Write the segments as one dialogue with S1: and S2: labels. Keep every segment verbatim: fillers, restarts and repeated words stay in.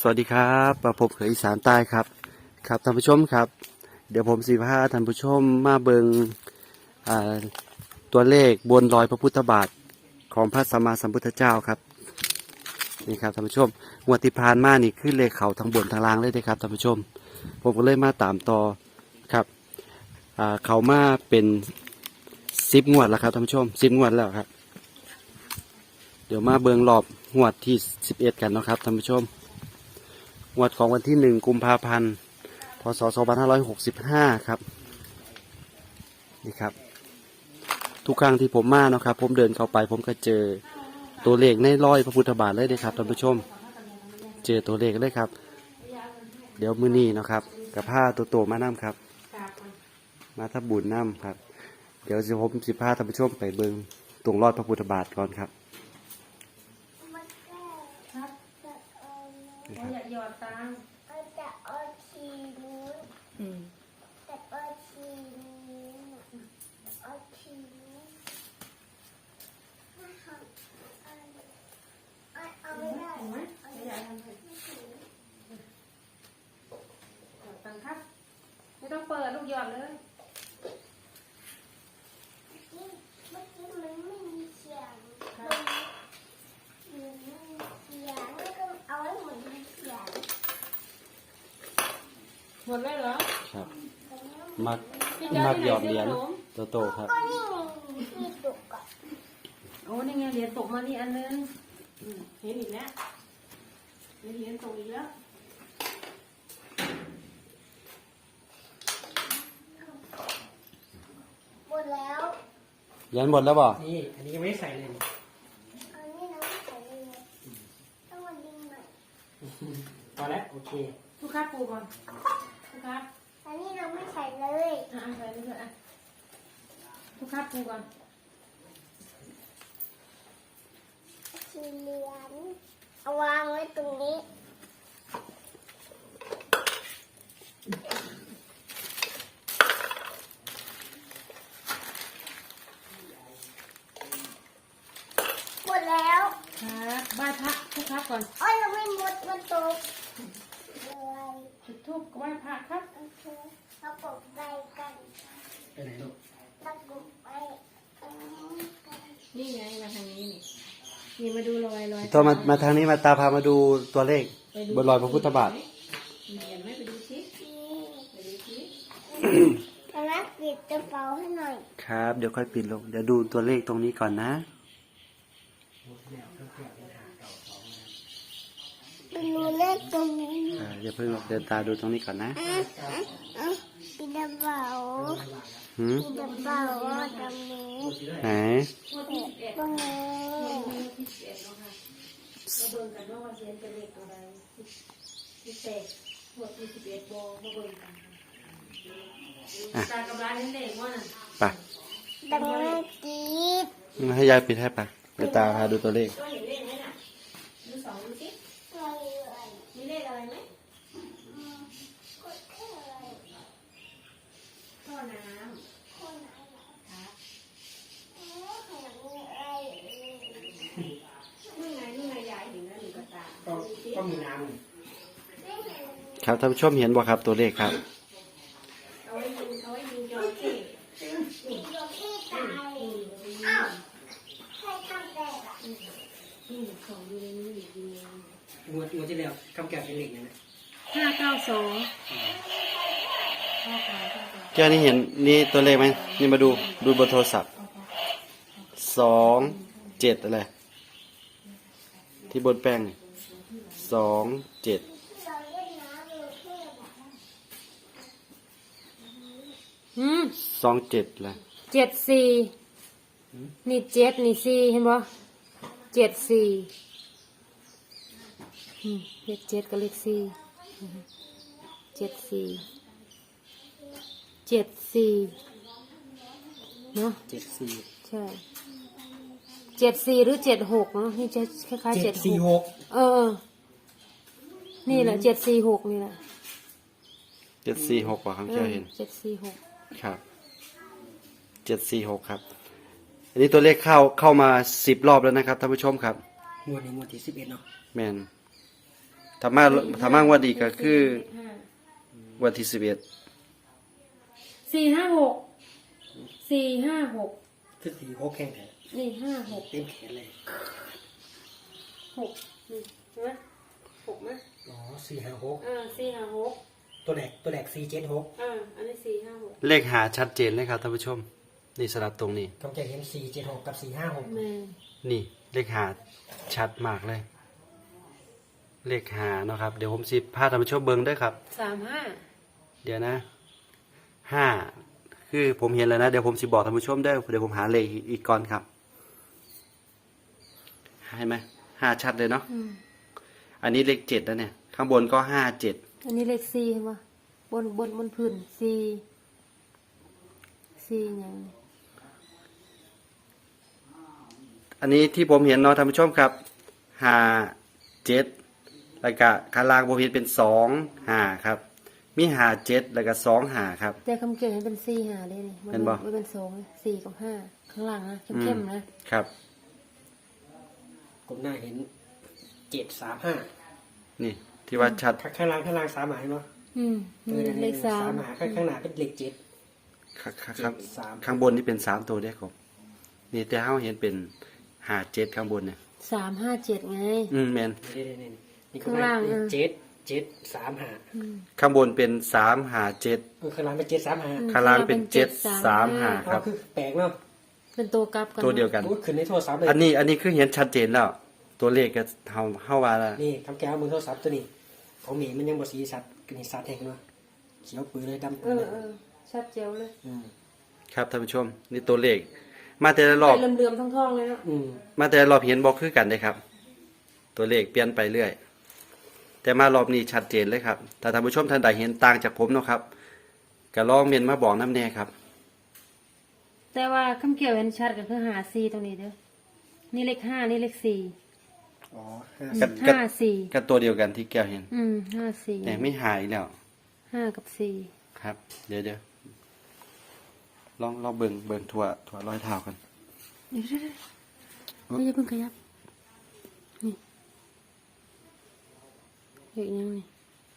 S1: สวัสดีครับมาพบกับอีสานใต้ครับครับท่านผู้ชมครับเดี๋ยวผมสิพาท่านผู้ชมมาเบิงตัวเลขบนรอยพระพุทธบาทของพระสัมมาสัมพุทธเจ้าครับนี่ครับท่านผู้ชมงวดที่ผ่านมานี่ขึ้นเลขเขาทั้งบนทั้งล่างเลยนะครับท่านผู้ชมผมก็เลยมาตามต่อครับเขามาเป็นสิบงวดแล้วครับท่านผู้ชมสิบงวดแล้วครับเดี๋ยวมาเบิงรอบงวดที่สิบเอ็ดกันนะครับท่านผู้ชมงวดของวันที่หนึ่งกุมภาพันธ์พศสองพันห้าร้อยหกสิบห้าครับนี่ครับทุกครั้งที่ผมมานะครับผมเดินเข้าไปผมก็เจอตัวเลขในร้อยพระพุทธบาทเลยนะครับท่านผู้ชมเจอตัวเลขเลยครับเดี๋ยวมื้อนี้นะครับกับผ้าตัวโตมาน้ำครับมาทับบุญน้ำครับเดี๋ยวจะผมสิพาท่านผู้ชมไปเบิงตรงรอดพระพุทธบาทก่อนครับ
S2: อย่าหยอดตังค์จะเอาชีนู้นจะเอาชีนู้นเอาชีนู้นเอาไม่ได้ไหมอย่าทำเลยหยอดตังค์ครับไม่ต้องเปิดลูกหยอดเลยเมื่อกี้มันไม่มีเสียงมันไม่มีเสียงแล้วก็เอาไว้หมดมีเสียงหมดแล้วเหรอ
S1: ครับมักมักหยอดเหรียญตัวโตครับ
S2: ก็นี่มีตกอ่ะ
S3: โอ้นี่ไงเหรียญตกมานี่อันนึงเห็นอีกแล้วเหรียญตกอีกแล้ว
S2: หมดแล้ว
S1: เหรียญหมดแล้วบ่
S4: นี่อันนี้ยังไม่ใส่เลย
S2: อันนี้เราไม่ใส่เลยต้องมาดึงหน่อย
S4: พอแล้วโอเค
S3: ทุกครับปูก่อนทุกครับ
S2: อันนี้เราไม่ใส่เลย
S3: อ่ะใส่เลยอ่ะทุกครับปูก่อน
S2: สีเหลืองเอาวางไว้ตรงนี้หมดแล้ว
S3: ครับไหว้พระทุกครับก่อน
S2: อ้อยเราไม่หมดมันตกเลย
S3: จุดธูปไหว้พระครับ
S2: โอเคเราปกไปกัน
S4: ไปไหนลูก
S2: เราปกไปกันกัน
S3: นี่ไงมาทางนี้นี่นี่มาดูรอยรอย
S1: ตัวมามาทางนี้มาตาพามาดูตัวเลขบนรอยพระพุทธบาท
S3: เห็นไหมไปดูชิไปดูชิ
S2: กำลังปิดกระเป๋าให้หน่อย
S1: ครับเดี๋ยวค่อยปิดลงเดี๋ยวดูตัวเลขตรงนี้ก่อนนะ
S2: ไปดูเลขตรงนี้
S1: อ่าอย่าเพิ่งเดินตาดูตรงนี้ก่อนนะ
S2: อ่ะอ่ะปิดกระเป๋า
S1: หืม
S2: ปิดกระเป๋าตรงนี้
S1: ไหน
S2: ตรงนี้
S3: มาเบิ่งกันว่าวันเสียนเป็นเลขอะไรที่เตะหัวที่สิบเอ็ดโบมาเบิ่งกันตากำลังเล่นว่าน่ะ
S1: ไป
S2: ตรงนี้กี
S1: ให้ยายปิดให้ไปเดี๋ยวตาพาดูตัวเลข
S3: ก็เห็นเลขไหมน่ะดูสองดูสิมีเลขอะไรไหมท่อน้ำครับนี่ไงนี่ไงยายเห็นแล้วหนูกระตา
S4: ก็ก็มีน้
S1: ำครับท่านผู้ชมเห็นบ่ครับตัวเลขครับ
S3: เอาไว้ดูเอาไว้ดูจอสิ
S2: นี่ยกที่ตายอ้าวใครทำแบบอ่ะ
S3: นี่ของดูในนี้อีกดู
S4: ำงวดงวดที่แล้วคำแก่เป็นเหล็กนะนะ
S3: ห้าเก้าสอง
S1: แก้วนี่เห็นนี่ตัวเลขไหมนี่มาดูดูบนโทรศัพท์สองเจ็ดอะไรที่บนแป้งสองเจ็ด
S3: อืม
S1: สองเจ็ดอะไร
S3: เจ็ดสี่นี่เจ็ดนี่สี่เห็นบ่เจ็ดสี่เลขเจ็ดกับเลขสี่เจ็ดสี่เจ็ดสี่เนาะ
S4: เจ็ดสี่
S3: ใช่เจ็ดสี่หรือเจ็ดหกเนาะนี่จะคล้ายๆเจ็ด
S4: สี่หก
S3: เออนี่แหละเจ็ดสี่หกนี่แหละ
S1: เจ็ดสี่หกว่าครั้งเจ้าเห็น
S3: เจ็ดสี่หก
S1: ครับเจ็ดสี่หกครับอันนี้ตัวเลขเข้าเข้ามาสิบรอบแล้วนะครับท่านผู้ชมครับ
S4: งวดนี้งวดที่สิบเอ็ดเนาะ
S1: แมนถ้ามาถ้ามางวดดีก็คือวันที่สิบเอ็ด
S3: สี่ห้าหกสี่ห้าหก
S4: คือสี่หกแข่งแท้
S3: นี่ห้าหก
S4: เต็มแขนเลย
S3: หกนี่ใช่ไหมหกไหม
S4: อ๋อสี่ห้าหก
S3: อ่าสี่ห้าหก
S4: ตัวแหลกตัวแหลกสี่เจ็ดหก
S3: อ่าอันนี้สี่ห้าหก
S1: เลขหาชัดเจนเลยครับท่านผู้ชม นี่สลับตรงนี้
S4: กำจะเห็นสี่เจ็ดหกกับสี่ห้าหก
S3: แม่
S1: นี่เลขหาชัดมากเลย เลขหาเนาะครับเดี๋ยวผมสิพาท่านผู้ชมเบิ่งเด้วยครับ
S3: สามห้า
S1: เดี๋ยวนะห้าคือผมเห็นแล้วนะเดี๋ยวผมสิบอกท่านผู้ชมได้อเดี๋ยวผมหาเลขอีกก่อนครับเห็นไหมห้าชัดเลยเนาะ
S3: อืม
S1: อันนี้เลขเจ็ดแล้วเนี่ย ข้างบนก็ห้าเจ็ด
S3: อันนี้เลขสี่เห็นปะบนบนบนพื้นสี่สี่อย่างนี้
S1: อันนี้ที่ผมเห็นเนาะท่านผู้ชมครับห้าเจ็ดแล้วก็ข้างล่างผมเห็นเป็นสองห้าครับ มีห้าเจ็ดแล้วก็สองห้าครับ
S3: แต่คำเกี่ยวเห็นเป็นสี่หาเลยนี่
S1: เห็นบ่
S3: ไม่เป็นสองสี่กับห้าข้างล่างนะเข้มๆนะครับ
S4: กลมหน้าเห็นเจ็ดสามห้า
S1: นี่ที่ว่าชัด
S4: ข้างล่างข้างล่างสามหมายเนาะ
S3: อืมนี่เลขสาม
S4: หมายข้างข้างหน้าเป็นเลขเจ็ด
S1: ข้างข้าง
S4: เจ็ดสาม
S1: ข้างบนนี่เป็นสามตัวเด้อครับนี่แต่เขาเห็นเป็นห้าเจ็ดข้างบนเนี่ย
S3: สามห้าเจ็ดไง
S1: อืมแมน
S4: นี่นี่นี่นี่
S3: ข้างล่าง
S4: เป็น
S3: อ่ะ
S4: เจ็ดเจ็ดสามห้า
S3: อืม
S1: ข้างบนเป็นสามห้าเจ็ด
S4: เออข้างล่างเป็นเจ็ดสามห้า
S1: ข้างล่างเป็นเจ็ดสามห้าค
S4: ก็
S1: รับ
S4: คือแปลกเนาะ
S3: เป็นตัวกลับกัน
S1: ตัวเดียวกัน
S4: พูดขึ้นในโทรศัพท์เลย
S1: อันนี้อันนี้คือเห็นชัดเจนแล้ว ตัวเลขก็เฮาเฮาว่าแล้ว
S4: นี่คำแก้วมือโทรศัพท์ตัวนี้ของหมีมันยังบ่สีสัตว์กันนี่สัตว์แทงเนาะเขียวปืนเลยดำ
S3: เอ
S4: ปืน
S3: อ
S4: เลย
S3: เออชัดเจ๋วเลย
S4: อืม
S1: ครับท่านผู้ชม นี่ตัวเลข มาแต่ละรอบ
S3: ไปเลื่อมๆทองๆเลยเนาะ
S4: อืม
S1: มาแต่ละรอบเห็นบอกคือกันเลยครับ ตัวเลขเปลี่ยนไปเรื่อย แต่มารอบนี้ชัดเจนเลยครับถ้าท่านผู้ชมท่านใดเห็นต่างจากผมเนาะครับก็ลองเมนมาบอกน้ำแน่ครับ
S3: แต่ว่าคำเกี่ยวเห็นชัดก็คือหาสี่ตรงนี้เด้อนี่เลขห้านี่เลขสี่
S4: อ๋อห้า
S1: กั
S4: สิ
S1: ด
S4: บ
S1: กัด
S3: ห้าสี่
S1: ก็ตัวเดียวกันที่แก้วเห็น
S3: อืมห้าสี่
S1: แต่ไม่หายแล้ว
S3: ห้ากับสี่
S1: ครับ เดี๋ยวเดี๋ยวลองลองเบิ่งเบิ่งถั่วถั่วรอยเท้ากัน
S3: เดี๋ยวๆไม่อย่าเพิ่งขยับนี่เด็กยังนี่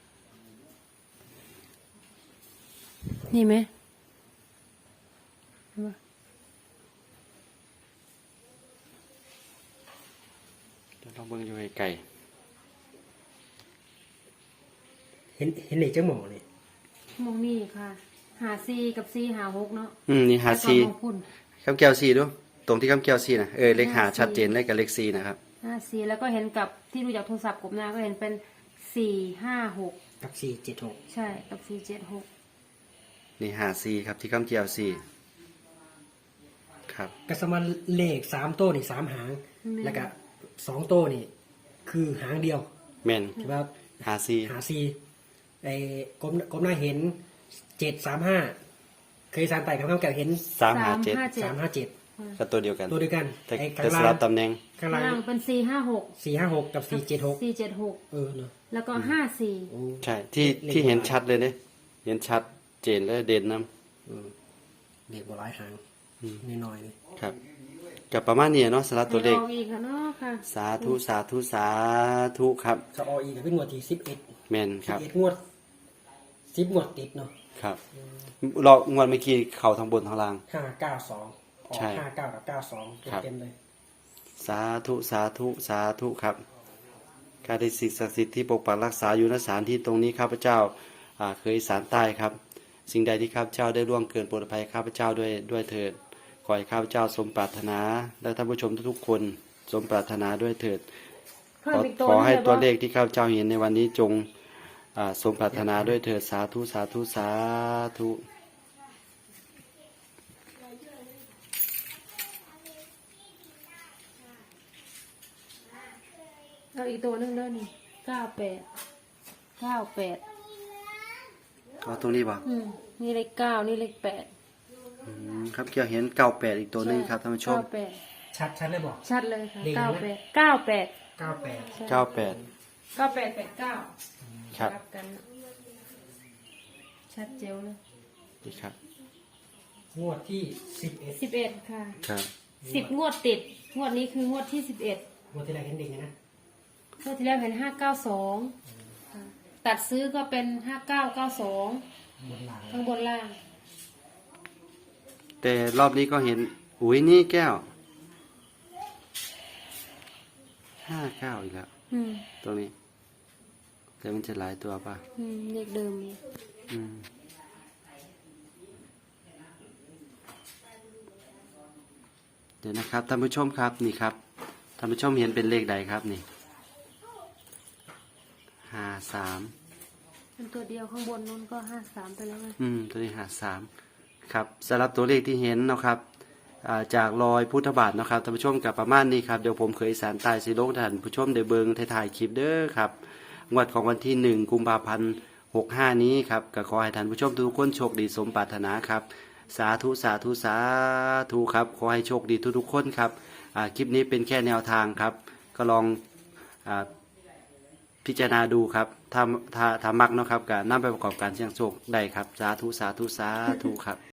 S3: นี่ไหมเห็นปะ
S1: เดี๋ยวลองเบิ่งอยู่ไกล
S4: เห็นเห็นเลขจังหมอนี่
S3: มองนี่ค่ะ หาสี่กับสี่หาหกเนาะ
S1: ๆอืมนี่หา
S3: แล้วก็
S1: ซี
S3: มองพุ่น
S1: คำแก้วซีดูตรงที่คำแก้วซีนะเออเลขหา
S3: ห้าสี่
S1: ชัดเจนเลยกับเลขซีนะครับ
S3: ห้าสี่แล้วก็เห็นกับที่ดูจากโทรศัพท์กบหน้าก็เห็นเป็นสี่ห้าหก
S4: กับสี่เจ็ดหก
S3: ใช่กับสี่เจ็ดหก
S1: นี่หาซีครับที่คำแก้วซีครับ
S4: กสมาเลขสามโต้นี่สามหาง แล้วก็สองโต้นี่ คือหางเดียว
S1: แมน
S4: ใช่ไหมครับ
S1: หาซี
S4: หาซีไอ้กลมกลมหน้าเห็นเจ็ดสามห้าเคยสารไต่กับข้าวแก้วเห็น
S1: สามหาเจ็ด
S4: สามห้าเจ็ด
S1: ก็ตัวเดียวกัน
S4: ตัวเดียวกัน
S1: แต่
S4: ไอ้ข้า
S1: แต่
S4: ง
S1: ส
S4: ล่า
S1: ลั
S4: ง
S1: บตำแหน่ง
S4: ข้าง
S3: ข้าง
S4: ล่าง
S3: ล่างเป็นสี่ห้าหก
S4: สี่ห้าหกกับสี่เจ็ดหก
S3: สี่เจ็ดหก
S4: เออเนาะ
S3: แล้วก็ห้าสี่
S4: โอ้
S1: ใช่ที่
S4: เลข
S1: ที่เห็น
S4: โบราณ
S1: ชัดเลยเนี่ยเห็นชัดเจนและเด่นน้
S4: เออเลขบหลายหาง
S1: ำอืม
S4: น้อยๆเลย
S1: ครับกับประมาณนี้เนาะสลับตัวเลข
S3: ให้ออกอีกค่ะเนาะค่ะ
S1: สาธุสาธุสาธุครับ
S4: สออีกับเป็นงวดที่สิบเอ็ด
S1: แมนค
S4: สิบ
S1: รับ
S4: เอ็ดงวดสิบงวดติดเนาะ
S1: ครับเรางวดเมื่อกี้เข่าทางบนทางล่าง
S4: ห้าเก้าสองออก
S1: ใช่
S4: ห้าเก้ากับเก้าสอง
S1: ครับ
S4: เต็มๆเลย
S1: สาธุสาธุสาธุครับข้าได้สิ่งศักดิ์สิทธิ์ที่ปกปักรักษาอยู่ณสถานที่ตรงนี้ข้าพเจ้าอ่าเคยสารใต้ครับ สิ่งใดที่ข้าพเจ้าได้ล่วงเกินโปรดอภัยข้าพเจ้าด้วยด้วยเถิดขอให้ข้าพเจ้าสมปรารถนา และท่านผู้ชมทุกๆคนสมปรารถนาด้วยเถิด
S3: เพิ่
S1: ข
S3: ม
S1: อ
S3: อีกตัว
S1: ขอให้
S3: นึง
S1: ตัวเล
S3: ลย
S1: ขที่ข้าพเจ้าเห็นในวันนี้จงอ่าสมปรารถนาด้วยเถิดสาธุสาธุสาธุ
S3: เอาอีกตัวหนึงเด้อนี่เก้าแปดเก้าแปด
S1: เอาตรงนี้ป่ะ
S3: อืมนี่เลขเก้านี่เลขแปด
S1: อืมครับเกี่ยวเห็นเก้าแปดอีกตัวหนึงครับท่านผู้ชม
S3: เก้าแปด
S4: ชัดชัดเลยบอก
S3: ชัดเลยค่ะ
S4: เลข
S3: เก้า
S4: อะไร
S3: แป
S4: นะ
S3: ดเก้าแปด
S4: เก้าแปด
S1: เก้าแปด
S3: เก้าแปดแปดเก้า
S1: ครับ
S3: รับกันนะชัดเจ๋วเลย
S1: นี่ครับ
S4: งวดที่สิบเอ็ด
S3: สิบเอ็ดค่ะ
S1: ครับ
S3: สิบงวดติด งวดนี้คืองวดที่สิบเอ็ด
S4: งวดที่ไรเห็นเด็กนะ
S3: งวดที่แล้วเห็นห้าเก้าสอง
S4: อืม
S3: ตัดซื้อก็เป็นห้าเก้าเก้าสอง
S4: บนหลัง
S3: ข้างบนล่าง
S1: แต่รอบนี้ก็เห็นอุ้ยนี่แก้วห้าเก้าอีกแล้ว
S3: อืม
S1: ตรงนี้ แต่มันจะหลายตัวป่ะ
S3: อืมเลขเดิม
S1: อืมเดี๋ยวนะครับท่านผู้ชมครับนี่ครับท่านผู้ชมเห็นเป็นเลขใดครับนี่ห้าสาม
S3: เป็นตัวเดียวข้างบนนู้นก็ห้าสามไปแล้วไง
S1: อืมตัวนี้หาสามครับสำหรับตัวเลขที่เห็นเนาะครับอ่าจากรอยพุทธบาทเนาะครับท่านผู้ชมกับประมาณนี้ครับเดี๋ยวผมเคยสารตายสีโลกท่านผู้ชมเดี๋ยวเบิงถ่ายๆคลิปเด้อครับงวดของวันที่หนึ่งกุมภาพันธ์หกห้านี้ครับก็ขอให้ท่านผู้ชมทุกคนโชคดีสมปรารถนาครับสาธุสาธุสาธุครับขอให้โชคดีทุกๆคนครับอ่าคลิปนี้เป็นแค่แนวทางครับก็ลองอ่าพิจารณาดูครับถ้าถ้าถ้ามักเนาะครับก็นำไปประกอบการเสี่ยงโชคได้ครับสาธุสาธุสาธุครับ